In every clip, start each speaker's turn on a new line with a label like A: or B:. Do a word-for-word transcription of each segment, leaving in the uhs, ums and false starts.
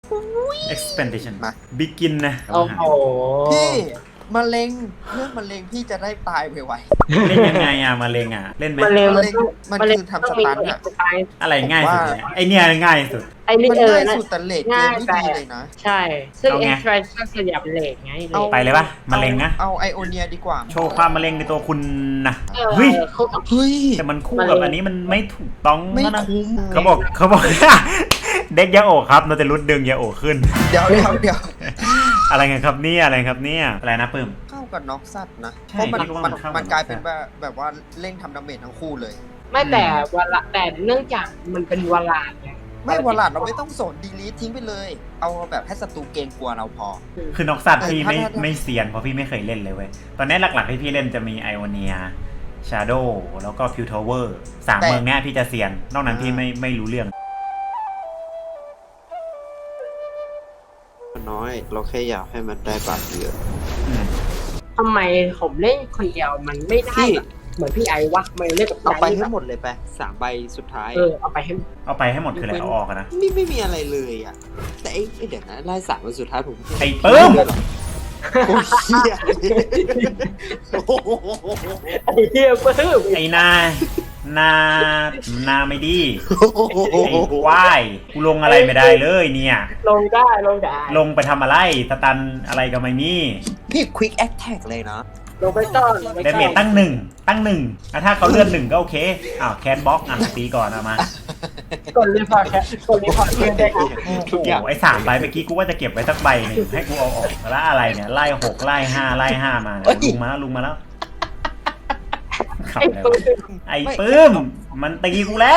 A: expansion
B: มา
A: begin นะ
C: โอ้โห
B: พี่มะเร็งเรื่องมะเร็งพี่จะได้ตายไว
A: เล่นยังไงอ่ะมาเลงอ่ะเล่นไหม
C: มันเร็วมันต้อง
B: มัน
C: มันเร็ว
B: คือทำสตันอะ
C: สไตล์
A: อะไรง่ายสุดเนี่ยไอเนี่ยง่ายสุด
C: ไอ้
B: ๆ
C: นี่
B: มัน
C: เออ
B: ง่าย
C: นะ
B: สุดแต่เลทเก
C: ง่าม ย
B: ที่
C: ไป
B: ดีเลยนะ
C: ใช่ ซึ่ง
A: เอาไง
C: extraction ส่วนใหญ่เป็นเลทไงเลท
A: ไปเลยปะมะเร็งนะ
B: เอาไอโอเนียดีกว่า
A: โชว์ความมะเร็งในตัวคุณนะ
C: เออ
A: เฮ้ย
C: เขากับ
B: เฮ้ย
A: แต่มันคู่กับอันนี้มันไม่ถูกต้อง
B: ไม่
A: นะ
B: คุ้ม
A: เขาบอกเขาบอก เด็กยาโอะครับเราจะรุดดึงยาโอะขึ้น
B: เดี๋ยวเดี๋ยวเดี๋ยว
A: อะไรกันครับเนี่ยอะไรครับเนี่ยอะไรนะปื้ม
B: เข้ากับน็อกซัดนะ
A: ใช่
B: เพราะมัน
A: คิดว่ามั
B: มัน
A: นเข้ากับ
B: มันกลายเป็น
A: น็อกซัด
B: แบบแบบว่าเร่งทำดาเมจทั้งคู่เลย
C: ไม่แต่เวลาแต่เนื่องจากมันเป็นวลาดไง
B: ไม่วอลลัดเราไม่ต้องสนดีลีททิ้งไปเลย เอาแบบให้ศัตรูเกรงกลัวเราพอ
A: คือน็อกซัดพี่ไม่
B: ถ้าถ้า
A: ไม่เซียนเพราะพี่ไม่เคยเล่นเลยเว้ยตอนนี้หลักๆที่พี่เล่นจะมีไอโอเนียชาโดแล้วก็พิวทาวเวอร์สามเมืองเนี้ยพี่จะเซียนนอกนั้นพี่ไม่ไม่รู้เรื่อง
D: น้อยเราแค่อยากให้มันได้บาทเยอะ
A: อืม
C: ทำไมผมเล่นคนเดียวมันไม่ได้
D: พี่
C: แบบเหมือนพี่ไอวะมันเล่นกับ
D: เอาไป
C: พี่
D: ให้
C: แบบ
D: หมดเลยไปสามใบสุดท้าย
C: เออเอาไปให้
A: เอาไปให้หมดคืออะไรเอาออกอะนะ
D: ไม่ไม่มีอะไรเลยอ่ะ แต่ไอ้ไอ้เดี๋ยวนะไล่สามวันสุดท้ายผม
A: ไอ้ปื้ม
D: โอ้ยเหี้ยโอ้โห
C: ไอ้เหี้ยเพิ่ม
A: ไอ้นานานาไม่ดีไอ้ควายกูลงอะไรไม่ได้เลยเนี่ย
C: ลงได้ลงได้
A: ลงไปทำอะไรสตันอะไรก็ไม่มี
B: พี่ควิกแอคแท็กเลยนะ
C: ลงไปต้อนลงไป
A: เดเมจตั้งหนึ่งตั้งหนึ่งแล้วถ้าเขาเลื่อนหนึ่งก็โอเคอ้าวแคนบล็อกอ่ะตีก่อนเอามาก
C: ดรีพอร์ตแค่กดรีพอร์ตเพื่อนได้ครับ
D: ทุกอย่าง
A: โอ้ไอ้สามใบเมื่อกี้กูว่าจะเก็บไว้สักใบหนึงให้กูเอาออกแล้วอะไรเนี่ยไล่หกไล่ห้าไล่ห้ามาเนี่ยลุงมาแล้วลุงมาแล้วขับ
C: ไอ้
A: แล้ว
C: ปืน
A: ไอ้ปื้มมันตีกูแล้ว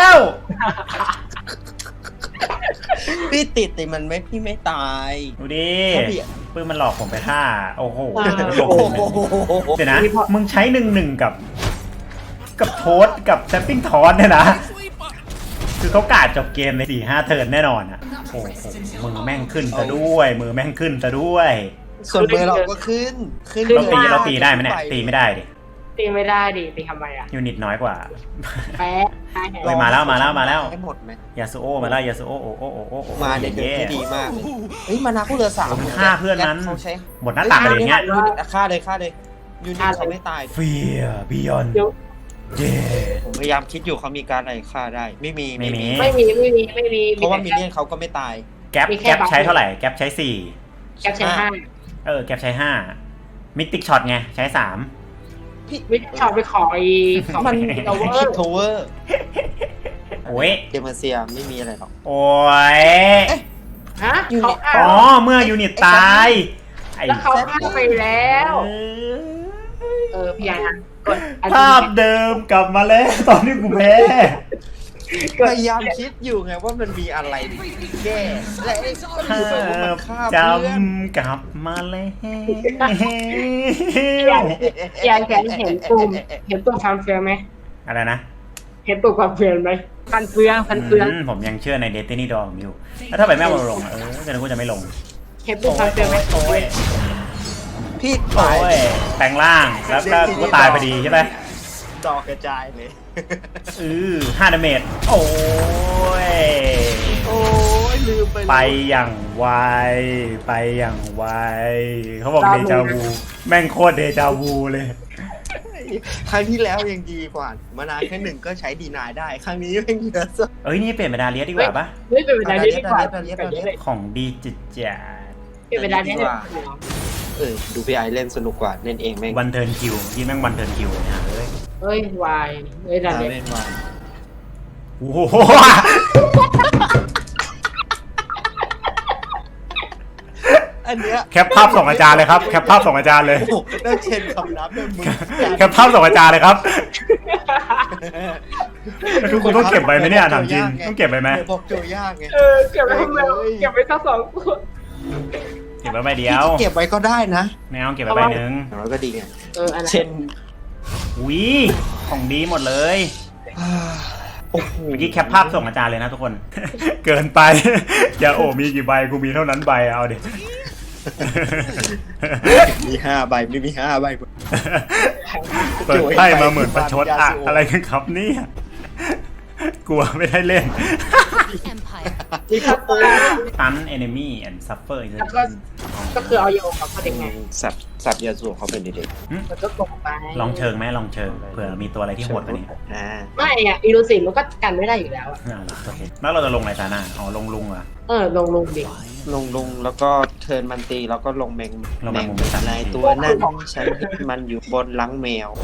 B: พี่ติดแต่มันไม่พี่ไม่ตาย
A: ดูดิ
B: ถ้าพี่
A: ปื้มมันหลอกผมไปท่าโอ้โห
B: โอ้โห
A: เดี๋ยวนะมึงใช้หนึ่งหนึ่งกับ กับโทสกับแซปปิ้งทอนเนี่ยนะคือเขากาดจบเกมในสี่ห้าเทิร์นแน่นอนอ่ะโอ้โหมือแม่งขึ้นซะด้วยมือแม่งขึ้นซะด้วย
B: ส่วนเบอร์เราก็ขึ้น ขึ้น
A: เราตี
B: ลย
A: เราตีได้ไหมเนี่ยตีไม่ได้ดิ
C: ตีไม่ได้ดิตีทำไมอ่ะ
A: ยูนิตน้อยกว่า
C: แป๊ะ
A: เฮ้ยมาแล้วมาแล้วมาแล้ว
B: ให้หมดไหม
A: ยาสุโอมาแล้วยาสุโอโอโอโอโอโอ
B: มาเด็ด
A: เย่
B: ที่ดีมากเลยเฮ้ยมานาคู่เรือสาม
A: ผมฆ่าเพื่อนนั้น
B: เขาใช้
A: หมดหน้าตักอะไรอย่างเงี้ย
B: ยูนิตฆ่าเลยฆ่าเลยยูนิตเขาไม่ตาย
A: เฟียบิยอน
C: เดี๋ยว
A: เย่
B: ผมพยายามคิดอยู่เขามีการอะไรฆ่าได้ ไม่มี
A: ไม่มี
C: ไม่มีไม่มีไม่มี
B: เพราะว่ามินเนี่ยนเขาก็ไม่ตาย
A: แก๊ปแก๊ปใช้เท่าไหร่แก๊ปใช้สี่
C: แคปชั่นห้า
A: เออแก๊ปใช้ห้ามิติกช็อตไงใช้สาม
C: วิชอบไปขอไอ้ของ
B: มัน
C: โอเวอ
B: คิด
C: ร์
B: โทเวอร์
A: โอ้ย
B: เดมเซียไม่มีอะไรหรอก
A: โอ้ย
C: ฮะเขา
A: อ๋อ
C: อ้าว
A: เมื่อยูนิตตายไอ้
C: แล้วเขาอ้าวไปแล้ว
A: เออ
C: เออพี่ยานะกดอัน
A: ภาพเดิมกลับมาแล้วตอนที่กูแพ้
B: พยายามคิดอยู่ไงว่ามันมีอะไรแก้และไอ้ก็
A: ภา
B: อยู่ไปว่ามัน
A: พ
B: ฆ่า
A: จ
B: เพื่อน
A: ำกลับมาแล้ว
C: พี่ยาแกเห็นปุ่มเห็นปุ่มความเฟืองไหม
A: อะไรนะ
C: เห็นปุ่มความเฟืองไหมพันเฟืองพันเฟือง
A: อืมผมยังเชื่อในเดตินี่ดอมอยู่แล้วถ้าไปแม่มาลงเออจะนึกว่าจะไม่ลง
C: เห็นปุ่มความเฟืองไหม
A: โอ้ย
B: พี่
A: โอ้
B: ตาย
A: ยแปลงร่างแล้วก็กูก็ตายพอดีใช่ไหม
B: ดอกกระจายเลย
A: อือห้าดาเมจโอ้ย
B: โอ้ยลืมไปเลย
A: ไปอย่างไวไปอย่างไวเขาบอกเดจาวูแม่งโคตรเดจาวูเลย
B: ครั้งที่แล้วยังดีกว่า มานานแค่หนึ่งก็ใช้ดีนายได้ ครั้งนี้แม่งเหลือสัก
A: เอ้ยนี่เปลี่ยนเป็นดาเลียสดีกว่าปะ
C: เฮ้ยเป็นเวลานี้ดีกว่า
B: เดี๋ยวเดี๋ยวเดี๋ยว
C: เป็น
A: ของดีจิตจัด
C: เวลานี้ดีกว่า
B: เออดูพี่ไอเล่นสนุกกว่าเล่นเองแม่ง
A: วันเทิร์นคิวที่แม่งวันเทิร์นคิวเนี่ยเอ้ย
C: เฮ้ยวายเฮ้ยดัน
B: เล่
C: เนี่ย
B: นมา
A: โอ้โห
B: อันเนี้ย
A: แคปภาพส่งอาจารย์เลยครับแคปภาพส่งอาจารย์เลย
B: โอ้โหน่าเชนคำนับเลยมึง
A: แคปภาพส่งอาจารย์เลยครับแล้วทุกคนต้องเก็บไว้ไหมเนี่ยถามจริงต้องเก็บไว้ไหม
B: เดี๋ยวบอกโจยากไง
C: เออเก็บไว้ทำไมเก็บไว้ทั้งสองคน
A: เก็บไว้ใบเดียว
B: เก็บไว้ก็ได้นะ
A: แนวเก็บไว้ใบหนึ่ง
B: อย่างน้อยก็ดีไง
C: เอออันนั้น
B: เช่น
A: อุ้ยของดีหมดเลย
B: โอ้โห
A: เมื่อกี้แคปภาพส่งอาจารย์เลยนะทุกคน เกินไป อย่าโอ้มีกี่ใบกูมีเท่านั้นใบเอาดิ
B: มีห้าใบไม่มีห้าใบ
A: เปิดไพ่มาเหมือนประชดอะอะไรกันครับเนี่ยกลัวไม่ได้เล่น
C: มีคัตเตอร์
A: ตัน enemy and suffer
C: แล้วก็ก็คือเอาโยกเขาเป็นไง
B: สับสับยาสูบเขาเป็นเด็ก
C: มันก็กลงไป
A: ลองเชิงไหมลองเชิงเผื่อมีตัวอะไรที่โหดกว่านี้
B: ๆอ่า
C: ไม่อะอีลูซีมันก็กันไม่ได้อยู่แล้วอะ
A: อ่าโอเคแล้วเราจะลงอะไรตาหน้าอ๋อลงลุงเหรอ
C: เออลงลงดิ
B: ลงลงแล้วก็เทิร์นมันตีแล้วก็ลงแมง
A: ลงแมงมุม
B: ในตัวนั่นฉันเห็นมันอยู่บนหลังแมว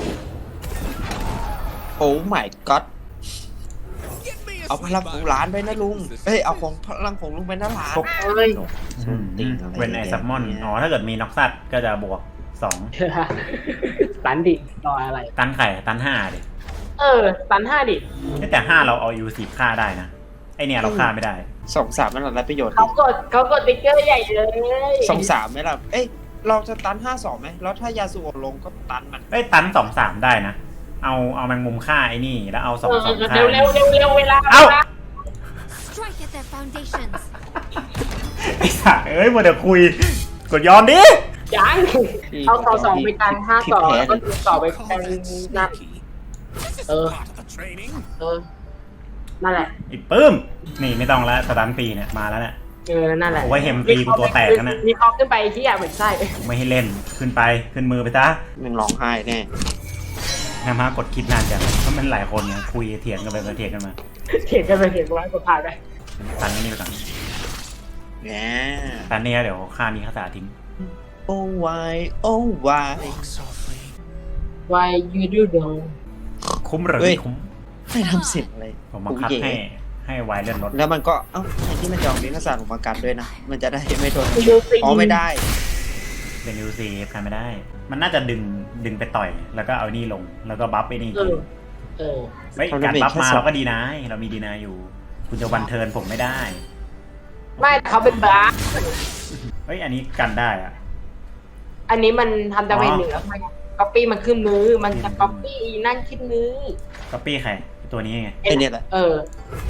B: โอ้ my god เอาพลังของร้านไปนะลุงเอ้ยเอาของพลังของลุงไปนะร้าน
C: เอ้ย
B: ส้นตีนอะไร
A: เวนไอซับมอนอ๋อถ้าเกิดมีน็อกซัดก็จะบวกสอง
C: ตันดิรออะไร
A: ตันไข่ตันห้าดิ
C: เออตันห้าดิ
A: แต่ห้าเราเอายูสิบฆ่าได้นะไอเนี่ยเราฆ่าไม่ได้
B: สองสามมันอะไรประโยชน์
C: เขากดเขากดติ๊กเกอร์ใหญ่เลย
B: สองสามไหมล่ะเอ้ยเราจะตันห้าสองไหมแล้วถ้ายาสูบลงก็ตันมัน
A: ไอยตันสองสามได้นะ เอาเอาแมงมุมฆ่าไอ้นี่แล้วเอาสอง
C: เออ
A: สองฆ่า
C: เร็วเร็วเร็วเร็วเวลา
A: เอ้า
C: วล
E: Strike at their foundations.
A: ไอ้สัตว์เอ้ยมัวแต่คุยกดยอมดิ
C: ยังเอาต่อสองไปกันห้าสองแล้วก็ต่อไปกันนัดเออเออนั่นแหละ
A: ไอ้ปื้มนี่ไม่ต้องแล้วสตันปีเนี่ยมาแล้วเนี่ย
C: เออนั่นแหละ
A: โอ้ยเห็มตีกูตัวแตกแล้วนะ
C: มีคอขึ้นไปที่อยากเหมือนไส้
A: ไม่ให้เล่นขึ้นไปขึ้นมือไปซะ
B: มันร้องไห้แน่
A: นามากดคิดนานจังเพราะมันหลายคนไงคุยเถียงกันไปเถียงกันมา
C: เถียงกันไปเถียงกันมาก็ผ่านไป
A: ตันนี่ไปก่อน
B: แหม
A: ตันนี่เดี๋ยวฆ่านี้คาถาทิ้ง
B: โอ้วายโอ้วาย
C: Why you do though
A: คุ้มหรือไม่คุ้ม
B: ให้ทำเสียงอะไร
A: ผมบังคับให้ให้ไวเลื่อนรถ
B: แล้วมันก็เอ้าไอ้ที่มันจองลิ้นศาสตร์ออกมากันด้วยนะ มันจะได้ไม่โดน
C: ยูซี
B: อ๋อไม่ได้
A: เป็นยูซีกันไม่ได้ มันน่าจะดึงดึงไปต่อย แล้วก็เอานี่ลงแล้วก็บัฟไปนี่
C: เออเออ
A: เฮ้ยการบัฟมาเราก็ดีนะเรามีดีนาอยู่ คุณจะวันเทิร์นผมไม่ได้
C: ไม่เขาเป็นบาร์
A: เฮ้ยอันนี้กันได้อะ
C: อันนี้มันทำดาเมจเหนือมันก๊อปปี้มันขึ้นมือ มันจะก๊อปปี้นั่นขึ้นมือ
A: ก๊อปปี้ใครตัวนี้ไง
B: ไอ้เนี่ยแหละ
C: เออ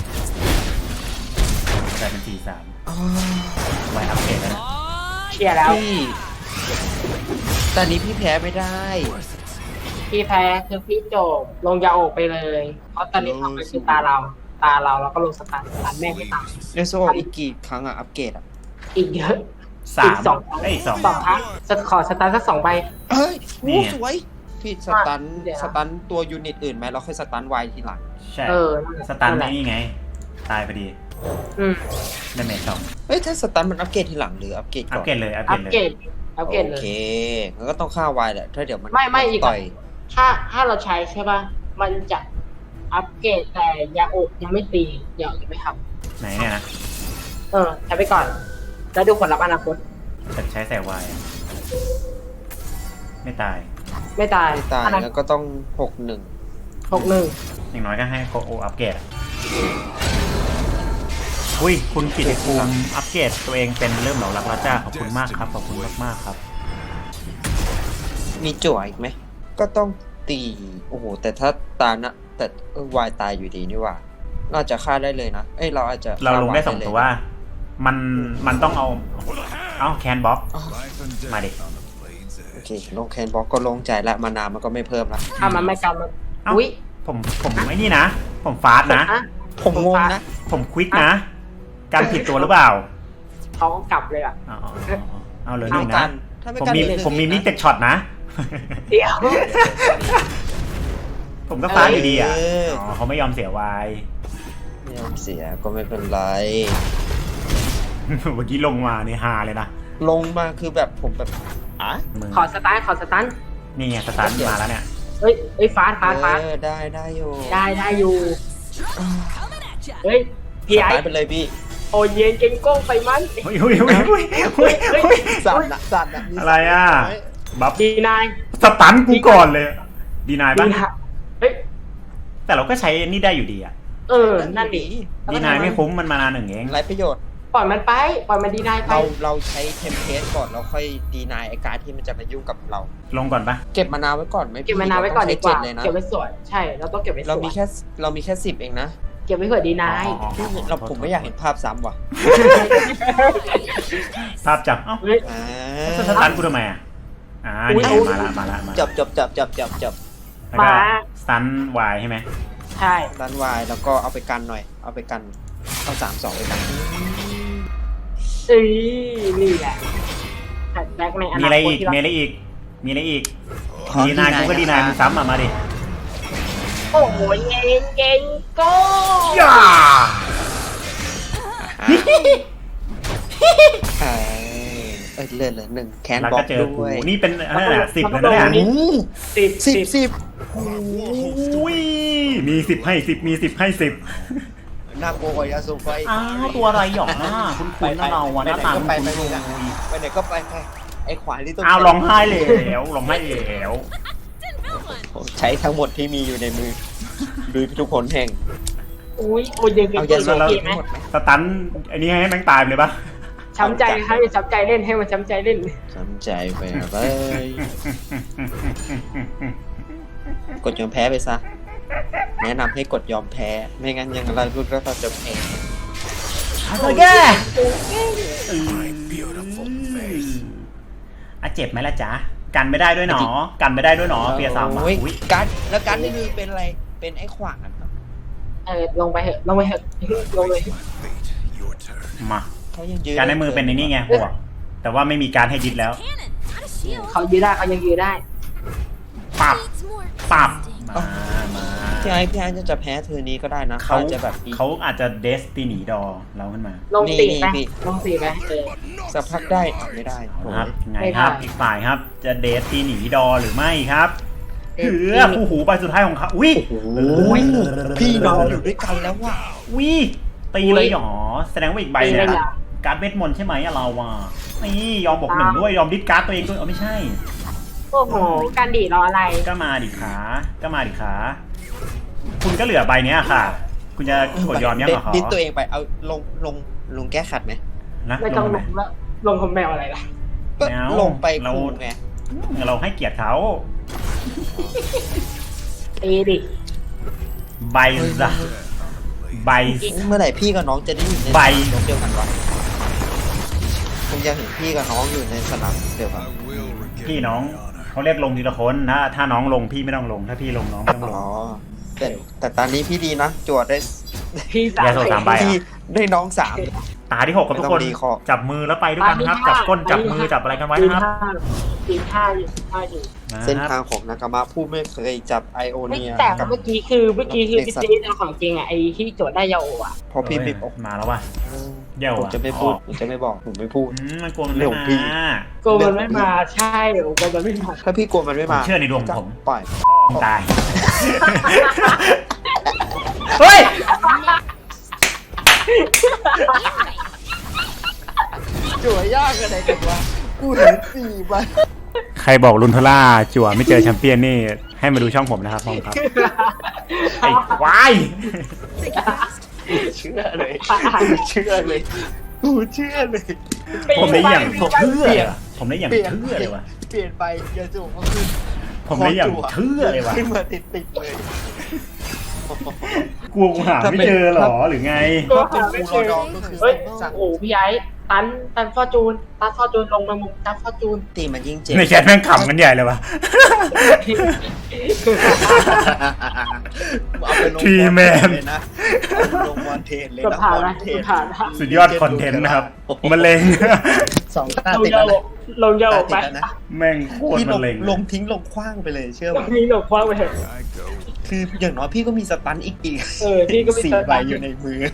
A: กลายเป็นสี่สามไวอัพเกรดแล้วนะ
C: เชียร์แล้ว
B: พี่ตอนนี้พี่แพ้ไม่ได้
C: พี่แพ้คือพี่โจบลงยาโอกไปเลย เพราะตอนนี้ทำไปคือตาเรา ตาเราเราก็ลงสตาร์ทสตาร์ทแม่งไม่ตาม
B: เอโซอีกกี่ครั้งอะอัปเกรดอะ
C: อีกเยอะ
A: สาม
C: สอง
A: เอ้ยสอง
C: สองครั้งสขอสตาร์ทสักสองใบ
B: เฮ้ย
A: นี่
B: โอ้
A: ไง
B: สวย พี่สตัน
C: เดี๋ยว
B: สตันตัวยูนิตอื่นไหมเราค่อยสตันไวทีหลัง
A: ใช่
C: เออ
A: สตัน
C: นั่นแหละ
A: นี่ไง ตายพอดี
C: อืม
A: ได้เมจสอง
B: เฮ้ยถ้าสตันมันอัปเกรดทีหลังหรืออัปเกรด
A: อั
B: ก่
A: พ
B: อน
A: เกรดเลยอัพ
C: อัป
A: เกรด
C: เก
A: เล
C: ร
A: ย
C: ดอัปเกรดเล
B: โอย เคงั้นก็ต้องฆ่าไวแหละถ้าเดี๋ยวมัน
C: ไม่ไม่อีก
B: ต่อย
C: ถ้าถ้าเราใช้ใช่ป่ะ มันจะอัปเกรดแต่ยาโอกยังไม่ตียาโอกยังไม่ท
A: ไหนเนี่ยนะ
C: ำเออใช้ไปก่อน แล้วดูผลลัพธ์อนาคต
A: จะใช้แสวายอะไม่ตาย
C: ไม่ตาย
B: ไม่ตาย
C: อนา
B: แล้วก็ต้องหกหนึ่ง
C: หกหนึ่ง
A: อย่างน้อยก็ให้โกโออัพเกรดอะอุ้ยคุณกิตภูมิอัพเกรดตัวเองเป็นเริ่มเหล่ารักแล้วจ้าขอบคุณมากครับขอบคุณมากมากๆครับ
B: มีจั่วอีกไหมก็ต้องตีโอ้โหแต่ถ้าตานะแต่เออวายตายอยู่ดีนี่หว่าเราอาจจะฆ่าได้เลยนะเอ้ยเราอาจจะ
A: เราลงได้สอง
B: ฆ่
A: ตัวว่า มันมันต้องเอา เอาแคนบ็อก
B: อ๋อ
A: มาดิ
B: โอเคลงแคนบล็อกก็ลงใจละมานามันก็ไม่เพิ่มละ
C: ถ้ามันไม่กันมัน
A: เอ้า
C: อุ้ย
A: ผมผมไอ้นี่นะ ผมฟาสต์นะ
C: อ่ะ
B: ผมงงนะ
A: ผมควิกนะ การผิดตัวหรือเปล่า
C: เขาก็กลับเลยอ่ะ
A: อ๋ออ๋ออ๋อเอาเหลือหนึ่ง
B: กั
A: นะ
B: นถ้าไม่
A: ผม
B: กัน
A: มี
B: เหลือหนึ่ง
A: ผมมี
B: เองนะ
A: มิกเต็กช็อตนะ
C: เดี๋ยว
A: ผมก็ฟาสต์อยู่ดีอ่ะ
B: เออ
A: อ๋อเขาไม่ยอมเสียวาย
B: ไม่ยอมเสียก็ไม่เป็นไร
A: เมื่อกี้ลงมาในฮาเลยนะ
B: ลงมาคือแบบผมแบบอ่ะ
A: มือ
C: ขอสตาร์ทขอสตาร์ท
A: นี่ไงสตาร์ทมาแล้วเนี่ย
C: เฮ้ยเฮ้ยฟาสต์ฟาสต์ฟาส
B: เอ
C: ต์
B: อได้ได้อยู่
C: ได้ได้อยู่ เฮ้ย พี่
B: ส
C: ไอ้
B: ตาร์ทไปเลยพี่
C: โอเย็นเก่งโก้งไปมัน
A: เฮ้ยเฮ้ยเฮ้ยเฮ้ยเฮ้ยเฮ้ย
B: สั่นนะสั่นนะมี
A: อะไรอ่ะ
B: สั่นน้ย
A: บัฟ
C: ดีนาย
A: สตันกูก่อนเลย ดีนาย
C: ดี
A: ปะ
C: นะเฮ้ย
A: แต่เราก็ใช้นี่ได้อยู่ดีอ่ะ
C: เออ นั่นดิ
A: ดีนายไม่คุ้มมันมานานหนึ่งเอง
B: ไรประโยชน์
C: ปล่อยมันไป ปล่อยมันดีนายไป
B: เราเราใช้เทมเพลตก่อนเราค่อยดีนายไอการดที่มันจะมายุ่งกับเรา
A: ลงก่อนปะ
B: เก็บมานาวไว้ก่อนไหมพี่
C: เก็บมานาวไว้ก่อนดีกว่า
B: เรต้องใช้เจ็เลยนะ
C: เก็บไว้สวย ใช่ เราต้องเก็บไว้ส
B: เรา
C: วย
B: มีแค่เรามีแค่สิบเองนะ
C: เก็บไว้เผื่อดีนาย
A: อ๋ออ๋ออ๋อ
B: เราผมไม่อยากเห็นภาพซ้ำว่ะ
A: ภาพจับเอ้า
C: เฮ้ย
B: อ่า
A: สตันกูทำไมอ่ะอ่า
C: อุ๊ย
A: นี่มาละมาละมา
B: จั
A: ละ
B: บจับจับจับจับจับ
A: แล้วก็
C: มา
A: สตันวายใช่ไหม
C: ใช่
B: ด้านวายแล้วก็เอาไปกันหน่อย เอาไปกัน
C: เ
B: เอาสามสองไปกัน
C: เอ้ยนี่แหละแท็กแบ็กในอ
A: มี
C: นา
A: อะไร
C: คต
A: อีก
C: ที่เรา
A: มีอะไรอีกมีอะไรอีกดีนายกูก็ดีนายมึงซ้ำมามาดิ
C: โอ้โหเก่งเก่งโก้
A: ย่า
B: เออเออเลื่อนเลยหนึ่งแคน
A: แล้ว
B: บล็อ
A: ก็
B: ก
A: เจอ
B: ด้
A: กู
B: วย
A: นี่เป็นอะไรนะสิบเลยนะเนี่ย
C: สิบ
B: สิบสิบ
A: อุ้ยมีสิบให้สิบมีสิบให้สิบ
D: น่ากลัวกว่ายาสูบไฟ
A: อ้าวตัวอะไรหยองหน้าคุณคุณนะเราอะหน้าตาคุณ
D: ไป
A: คุณ
D: ไปไปไปไหนก็ไปไปไอ้ขวานที่ต้อง
A: อ้าวร้องไห้แล้วร้องไห้แล้ว
B: ใช้ทั้งหมดที่มีอยู่ในมือดูทุกคนแห่ง
C: อุ้ยโอ้ยยัง
B: เอา
C: ยั
B: ยาง สูบ
C: โอเค
B: ทั้
C: ไหม
B: งหมดไหม
A: สตันไอ้นี่ให้แม่งตายไปเลยปะ
C: ช้ำใจให้ช้ำใจเล่นให้มันช้ำใจเล่น
B: สนใจไปเลยกดยอมแพ้ไปซะแนะนำให้กดยอมแพ้ไม่งั้นยังอะไรก็ต้องจะแพ้
A: โอเคอ่ะเจ็บไหมล่ะจ๊ะกันไม่ได้ด้วยหนอกันไม่ได้ด้วยหนอเปียสามอ่ะ
B: โอ้ย
A: อุ้ย
B: การแล้วการนี่คือเป็นอะไรเป็นไอ้ขวานครับ
C: เออลงไปเหอะลงไปเหอะลงเลย
A: มา
B: เขายังยืน
A: การในมือเป็นในนี่ไงบวกแต่ว่าไม่มีการให้ดิดแล้ว
E: Cannon, not a shield.
C: เขายืนได้เขายังยืนได้
A: ปับ
E: Needs more
A: ปับ
E: testing.
A: มามา
B: พี่ไอ้พี่ไอ้จะแพ้เธอนี้ก็ได้นะ
A: เขา
B: เขาจะแบบดี
A: เขาอาจจะเดสตินีดอเราขึ้นมา
C: ลงสี่ไป
B: นี่
C: ลงสี่ไปเออ
B: สักพักได้อ่ะไม่ได้
A: เอา
B: โอ้
A: ละครับ
B: ย
A: ไงครับ
C: ไม่ได้
A: อีกฝ่ายครับ จะเดสตินีดอหรือไม่ครับ
C: เดสติ
A: เหื
C: นี
A: อผู้หูใบสุดท้ายของเขาอุ้ย
B: โอ้ยพี่น้องอยู่ด้วยกันแล้วว่ะ
A: อุ้ยตีเลยเหรอแสดงว่าอีกใบ
C: ตี
A: เนี่
C: เลย ยเหรอ
A: การ์ดเวทมนต์ใช่ไหมอะเราอ่ะนี่ยอมบอกหนึ่งด้วยยอมดิสการ์ดตัวเองด้วยเออไม่ใช่
C: โอ้โหการดีดรออะไร
A: ก็มาดิขา ก็มาดิขา คุณก็เหลือใบเนี้ยค่ะ คุณจะกดยอมยังเหรอขอ
B: ดิสตัวเองไปเอาลงลงลงแก้ขัดไหม
A: นะ
C: ไม่
A: ล
C: ต้อง
A: ง
C: ล
A: ไหม
C: งแล้วลงคอมแมวอะไรล่ะ
B: ก็
A: ไม่เอา
B: ลงไป
A: เรา
B: คูไง
A: เราให้เกียรติเขา
C: ตีดิ
A: ใบซะใบ
B: เมื่อไหร่พี่กับน้องจะได้อยู่ใน
A: ใบ
B: สนามเดียวกันวะผมยังเห็นพี่กับน้องอยู่ในสนามเดียวกัน
A: พี่น้องเขาเรียกลงทีละคนนะถ้าน้องลงพี่ไม่ต้องลง ถ้าพี่ลงน้องไม่ต้องลง
B: อ๋อแต่แต่ตอนนี้พี่ดีนะจวดได้
C: พี่สาม
A: อย่าโทรตามไป
B: พี่ได้น้องสาม
A: ตาที่หกกับทุกคน
B: ไม่ต้องรีคอร์
A: จับมือแล้วไปด้วยกันครับ จับก้นจับมือจับอะไรกันไว้นะครับ
C: ตีท่าอยู่ท่าอยู่
A: นะ
B: เส้น
A: ค
B: ทา
A: รับ
B: งของนากามะผู้ไม่เคยจับไอโอ
C: ไม่
B: เนีย
C: แต่
B: กับ
C: เมื่อกี้คือเมื่อกี้คือพี่ตีเอาของจริงอ่ะไอ้ที่โจทย์ได้ยาโออ่ะ
B: พอพี่ไม่บอก
A: มาแล้วว่ะ เดี๋ยว
B: ผม
A: อะ
B: จะไม่พูด
A: ออก
B: ผมจะไม่บอกผมไม่พูด
A: อืมมันกลัวมัน
B: เรื่
A: ไม่
B: องของพี่
A: มา
C: โกมันไม่มาใช่โอ้โกมันไม่มา
B: ถ้าพี่กลัวมันไม่มา
A: ผมเชื่อในดวงผม
B: ก็ปล่อย
A: ตาย เฮ้ย
D: จั่วยากอะไรกันวะกูเห็นสี่ใบ
A: ใครบอกลุนทล่าจั่วไม่เจอแชมเปี้ยนนี่ ให้มาดูช่องผมนะครับพ่อครับ ไอ้ควาย
D: เชื่อเลยกูเชื่อเลยกูเชื่อเลย
A: ผมได้อย่าง
C: ผม
A: เชื่อผมได้อย่าง
D: เปลี่ยน
A: เชื่อเลยว่ะ
D: เปลี่ยนไปยาสูบก็ขึ้น
A: ผมได้อย่างเชื่อเลยว่ะ
D: ขึ้นมาติดติดๆเลย
A: กลัวกูหาไม่เจอหรอหรือไง
C: ก็หาไม่เจอ
D: ดองก็คือ
C: เฮ้ย
D: สั่ง
C: โอ้พี่ไอ้ตันตันฟอร์จูนตันฟอร์จูนลงมามุมตันฟอร์จูน
B: ตีมันยิ่งเจ็บ
A: ในแชทแม่งขำกันใหญ่เลยว่ะ
D: เอาไปลง
A: ทีแมน
D: เลยนะเอาลงบอลเทนเลย
C: เกือบ
D: นะ
C: ผ่าน
D: บอล
C: นะ
D: เท
C: เกือบ
D: น
C: ผ่านนะ
A: สุดยอดคอนเทนต์นะครับมะเร็ง
D: สองตา
C: ลง
D: ติด
C: ยา
D: แล้ว
C: โอ
D: นะ
C: ลงยาโอไป
D: ตาติดแล้วนะ
A: แม่งโคตร
B: พี่ล
A: มะ
B: ง
A: เร็ง
B: ลงทิ้งลงคว้างไปเลยเชื่อ
C: ล
B: ป่ะ
C: งนี้หลงคว้างไปเถอะ
B: คืออย่างน้อยพี่ก็มีสตันอีกอีก
C: เออพี่ก็ไม่
B: สี่
C: เจอ
B: ใบอยู่ในมือ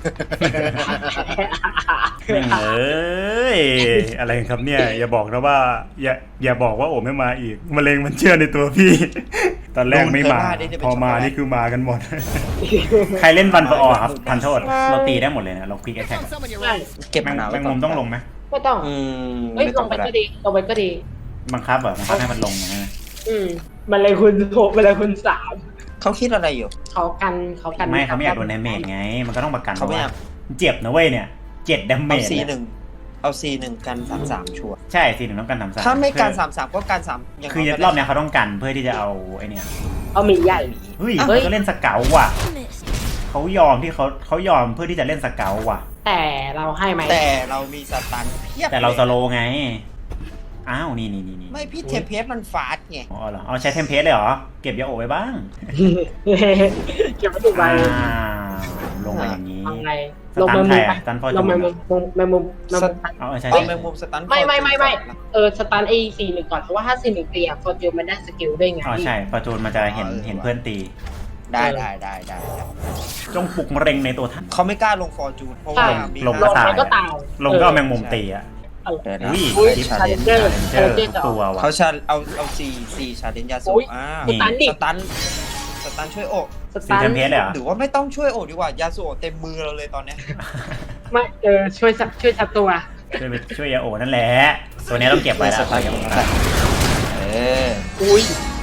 A: แม่งเอ้ยอะไรครับเนี่ย อย่าบอกนะว่า อย่าอย่าบอกว่าโอ้ไม่มาอีกมะเร็งมันเชื่อในตัวพี่ ตอนแรกไม่มา พอมานี่คือมากันหมด ใครเล่นวันฟออครับทันโทษเราตีได้หมดเลยนะเราคลิกแอทแทก
B: เก็บ
A: แม
B: มะ
A: ง
B: นาว
A: แมงมุมต้องลงไหม
C: ไม่ต้อง
B: อืม
C: เฮ้ย
B: ไม่
C: ล
B: ต้อง ง
C: ไป
B: ก็ได้
C: ก็ดีลงไปก็ดี
A: บังคับเหรอบังคับให้มันลงนะ
C: อืมมันเลยคุณโทมันเลยคุณสาม
B: เขาคิดอะไรอยู่
C: เขากันเขากัน
A: ไม่เขาไม่อยากโดนดาเมจไง มันก็ต้องประกัน
B: เขาไม่อยาก
A: เจ็บนะเว้ยเนี่ยเจ็ดดาเม
B: เอา
A: จ
B: ซีหนึ่งเอาซีหนึ่งกันสามสามชัวร์
A: ใช่สิหนึ่งต้องกันสามสาม
B: ถ้าไม่กันสามสามก็กันสามย่าง
A: คือ
B: น้ยก็
A: รอบเนี้ยเขาต้องกันเพื่อที่จะเอาไอเนี่ย
C: เอาหมีใหญ่
A: เฮ้ย
C: เฮ้ย
A: เขาเล่นสเกลว่ะ
E: Missed.
A: เขายอมที่เขาเขายอมเพื่อที่จะเล่นสเกลว่ะ
C: แต่เราให้ไหม
B: แต่เรามีสตันเพียบ
A: แต่เราส
B: ลย
A: โลว์ไง อ้าวนี่นี่นี่นี่
B: ไม่พี่เทมเพสมันฟาดไง
A: อ๋อเหรอเอาใช้เทมเพลตเลยเหรอ เก็บยาโอไว้บ้าง
C: เก็บไว้ดูใบ
A: อ้าวลงมาอย่างนี้
C: เอาไง
A: ส
C: ลง
A: ตั
C: แม
A: น
C: ง
A: ใคร
C: มุมไป
A: อะสตันฟอร์
C: ล
A: จู
C: ง
A: น
C: แมงมุมลงแมงมุมแมงมุม
A: อ๋อใช่
B: เอา
A: ใช่
B: แมงมุมสตัน
C: ไม่ไม่ไม่ไม่เออสตันไอสี่หนึ่งก่อนเพราะว่าถ้าสี่หนึ่งตีอะฟอร์จูนมันได้สกิลด้วยไง
A: อ๋อใช่ฟอร์จูนมันจะเห็นเห็นเพื่อนตี
B: ได้ได้ได้ได้
A: จงปลุกมะเร็งในตัวท่าน
B: เขาไม่กล้าลงฟอร์จูนเพราะว่า
A: ลง
B: มี
A: ลง
C: ล
A: ก็
C: ง
A: ตาย
C: มันก็ตาย
A: ลงก็เอาแมงมุมตีอะ
C: เออ
B: เดี๋ยวนะ
A: อุ้ย
C: อุ้ย
B: ชา
C: ชา
B: เล
C: เล
B: น
C: น
B: จ์
C: เจอร์
A: เจอทุกตัวว่ะ
B: เขาชาเอาเอาสี่สี่ชาเลนจ์ยาสู
C: อุ๊ย
B: อ่า
C: สตันดิ
B: สตันสตันช่วยโอก
C: ส
A: สี
C: ตัน
A: เทมเพสเลยเหรอ
B: หรือว่าไม่ต้องช่วยโอกดีกว่ายาสูโอกเต็มมือเราเลยตอนเนี้ย
C: ไม่เออช่วยสักช่วยสักตัว
A: ช่วยไปช่วยยาโอนั่นแหละ ตัวนี้ต้องเก็บไว้แล้ว
B: สตัน
A: ยาโอ
B: เออ
C: อุ้ย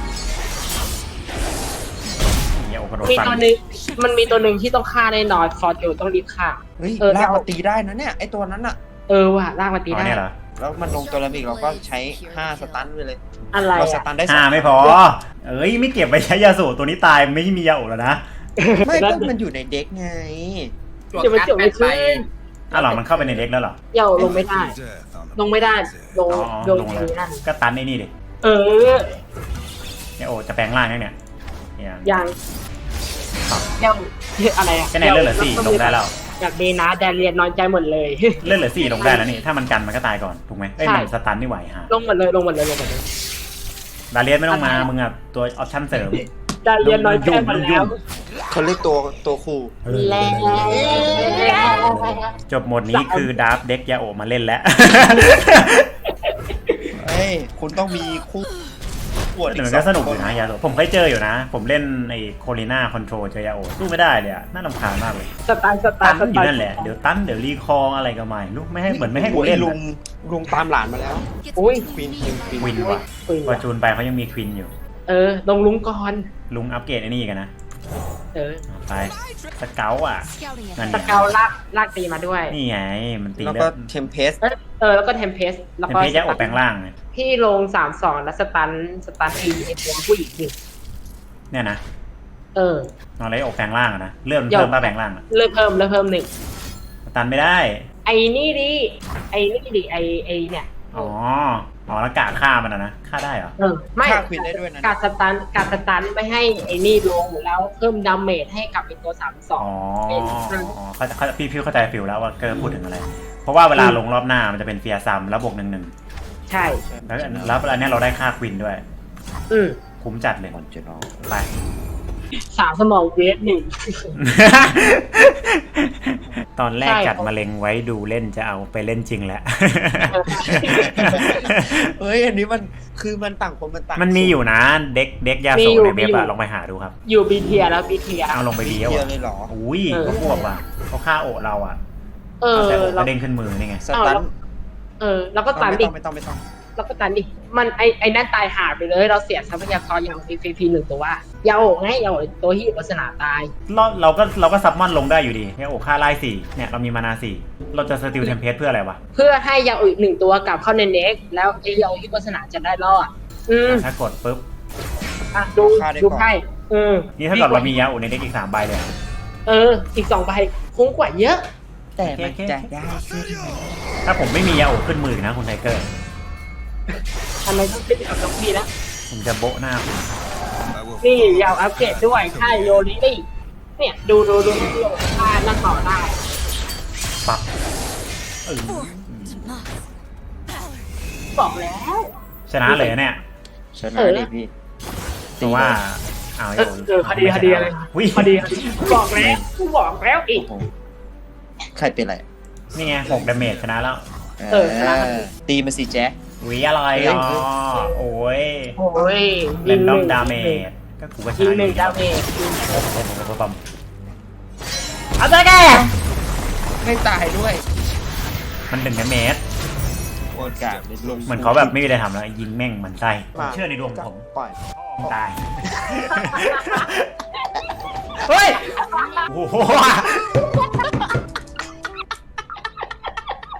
A: ยาโอกระโดด
C: มี
A: ฟัน
C: ตัวหนึงมันมีตัวหนึ่งที่ต้องฆ่าแน่นอนฟอร์จูนต้องรีบฆ่า
B: เฮ้ย
C: เออ
B: ลากมาตีได้นะเนี่ยไอตัวนั้นอะ
C: เออว่ะลากมาตี
A: อ๋อ
C: ได้
A: เนี่ยเหรอ
B: แล้วมันลงตัวละมิกเราก็ใช้ห้าสตันไปเลย
C: อะไร
B: เราส
C: อ่ะ
B: ตันได้
A: ห้า
B: สาม
A: ไม่พอ เอ้ยไม่เก็บไปใช้ยาสูบตัวนี้ตายไม่มียาโอแล้วนะ
B: ไม่ก็มันอยู่ในเด็กไง
C: เดี๋ยวมันจบไม่ขึ้น
A: อ้าวเหรอมันเข้าไปในเด็กแล้วเหรอ
C: เดี๋ยวลงไม่ได้ ลงไม่ได้ลง
A: อ๋อ
C: โดน
A: ลงเลย
C: ทีนั่น
A: ก็ตันไอ้นี่ดิ
C: เออ
A: ยาโอจะแปลงร่างยังเนี่ยเนี่ย
C: ยังเดี๋ยวอะไรอ่ะ
A: ก็ในเลือดเหลือสี่ลงได้แล้ว
C: อยากดีนะแดนเรียนน้อยใจหมดเลย
A: เลือดเหลือสี่ลงได้แล้วนี่ถ้ามันกันมันก็ตายก่อนถูกไหมเอ้ย
C: ใช่
A: มันสตันไม่ไหวฮะ
C: ลงหมดเลยลงหมดเลยลงหมดเลย
A: ดาเลียนไม่ต้องมามึงอ่ะตัวออปชั่นเสริม
C: แดนเรียนน้อยใจหมด
A: ยุ่
C: แล้ว
A: ง
B: เขาเรียกตัวตัวครู
C: แล้ว
A: จบหมดนี้คือดาร์ฟเด็กยาโอมาเล่นแล้ว
B: เฮ้ยคุณต้องมีคู่ปวด
A: แต่มันก็สนุกอยู่นะยาโอผมเคยเจออยู่นะ ผมเล่นไอ้โคลิน่าคอนโทรลเจอยาโอสู้ไม่ได้เลยอะน่ารำคาญมากเลย
C: สไตล์สไต
A: ตั
C: ล์
A: น
C: ส
A: อ
C: ไต
A: ยู่
C: ล์
A: นั่นแหละเดี๋ยวตันเดี๋ยวรีคอร์อะไรก็ไม่รู้ไม่ให้เหมือนไม่ให้กู
B: โอ้ย
A: เล่น
B: ลุ
A: อะ
B: งลุงตามหลานมาแล้ว
C: อุ้ย
B: ควีนควีนควีน
A: ควินว่ะ
C: คุย
A: พอจูนไปเขายังมีควินอยู่
C: เออลงลุงก่อน
A: ลุงอัปเกรดไอ้นี่กันนะ
C: เออ
A: ไปสเกลอ่ะ
E: Scouting
A: นั่น
E: ahead.
C: สเกลลากลากตีมาด้วย
A: นี่ไงมันตี
B: แล้ว
A: เลื
B: ก็
A: อด
B: เทมเพส
C: เออเออแล้วก็เทมเพสแล้ว
A: เป็น
C: ก็
A: เพชรยาโอแปลงร่างไง
C: พี่ลงสามสองแล้วสตันสตันไอไอตัวผู้หญิงนี่
A: เนี่ยนะ
C: เออน
A: อนไรโอแปลงร่างอะนะเลื่อนมันเพิ่มป้าแปลงร่างอะ
C: เลิกเพิ่มเลิกเพิ่มหนึ่ง
A: ตันไม่ได้
C: ไอนี่ดิไอนี่ดิไอไอเนี่ย
A: อ๋ออ๋อแล้วกาฆ่ามันอะนะฆ่าได้เหรอ
C: เออไม่
B: ฆ่าควีนได้ด้วยนะ
C: การสตันการสตันไม่ให้ไอนี่ลงแล้วเพิ่มดาเมจให้กับไอตัวสามสอ
A: อ๋
C: ง
A: ออ๋อเขาเขาพี่พี่เข้าใจฟิลแล้วว่าเกิร์พูดถึงอะไร เพราะว่าเวลาลงรอบหน้ามันจะเป็นเฟียร์ซัมแล้วบวกหนึ่งหนึ่ง
C: ใช่
A: แล้วแล้วอันเนี้ยเราได้ค่าควินด้วย
C: อืม
A: คุ้มจัดเลย
B: มันจะนอน
A: ไป
C: สามสมองเวฟหนึ่ง
A: ตอนแรก
C: ใช่
A: จัดมาเล็งไว้ดูเล่นจะเอาไปเล่นจริงแหละ
B: เฮ้ยอันนี้มันคือมันต่างคนมันต่าง
A: มันมีอยู่นะเด็กเด็กยา
C: มี
A: โซ
C: อยู่
A: ในเว็บ
C: มีอยู่
A: อะลองไปหาดูครับ
C: อยู่บีเทียแล้วบีเทีย
A: เอาลงไปดี
B: เดี
A: แล้ว
B: ยว
A: อะ
B: เลยเหรอ
A: อุ้ย
C: เออ
A: ก็พวกว่ะเขาฆ่าโอะเราอะ
C: เออ
A: แต่โอะ
C: เรา
A: ก็เด้งขึ้นมือนี่ไง
B: สตัน
C: เออแล้วก็ตัน
B: ไม่
C: ดิ
B: ต้องไม่ต้องไม่ต้อง
C: แล้วก็ตันดิมันไอไอนั่นตายหาไปเลย เราเสียทรัพยากรอย่างฟรีฟรีหนึ่งตัวเยาโอะไงเยาโอะตัวที่อยู่ลักษณะตาย
A: เราเราก็เราก็ซับมอนลงได้อยู่ดีเนี่ยโอ้ค่าไล่สี่เนี่ยเรามีมานาสี่เราจะสติลเทมเพสเพื่ออะไรวะ
C: เพื่อให้เยาโอะอีกหนึ่งตัวกลับเข้าในเน็กแล้วไอเยาโอะที่ลักษณะจะได้รอดอืม
A: ถ้ากดปุ๊บ
C: อ่ะดูดูไพ่เออ
A: นี่ถ้าเกิดเรามียาโอในเด็กอีกสามใบเลยอะ
C: เออ อีกสองใบคุ้มกว่าเยอะ
B: แต่มันจะได้ขึ้น
A: ถ้าผมไม่มียาโอขึ้นมือนะคุณไทเกอร์
C: ทำไมต้องขึ้นกับน้องพี่นะ
A: ผมจะโบะหน้าคุณ
C: นี่ยาวอัปเกรดด้วยค่ายโยลิลี่เนี่ยดูดูดูดูค่านั่งต่อได้
A: ปับเออ
C: บอกแล้ว
A: ชนะเลยเนี่ย
B: ชนะดิพี่
A: แต่ว่าเอา
C: เออเออคดีคดีอะไร
A: วิ
C: คดีคดีบอกแล้วกูบอกแล้วอี
B: โอ้
C: ก
B: โหใครเป็นไร
A: นี่ไงหกดาเมจชนะแล้ว
C: เออชนะ
B: ตีมาสิแจ๊ค
A: วิอะไรอ๋อโอ้ย
C: โอ้ย
A: เรนดอมดาเมจก็กูก็ช
C: ยิง
A: นะ
C: หนึ่งดาเมจ
A: ปั๊มเอาใจแก
B: ไม่ตายด้วย
A: มันหนึ่งดาเมจ
B: โอกาสลง
A: เหมือนเขาแบบไม่มีอะไรทำแล้วยิงแม่งเหมือนไส้ผมเชื่อในดวงผม
B: ปล่อย
A: ตาย เฮ้ย โอ้โห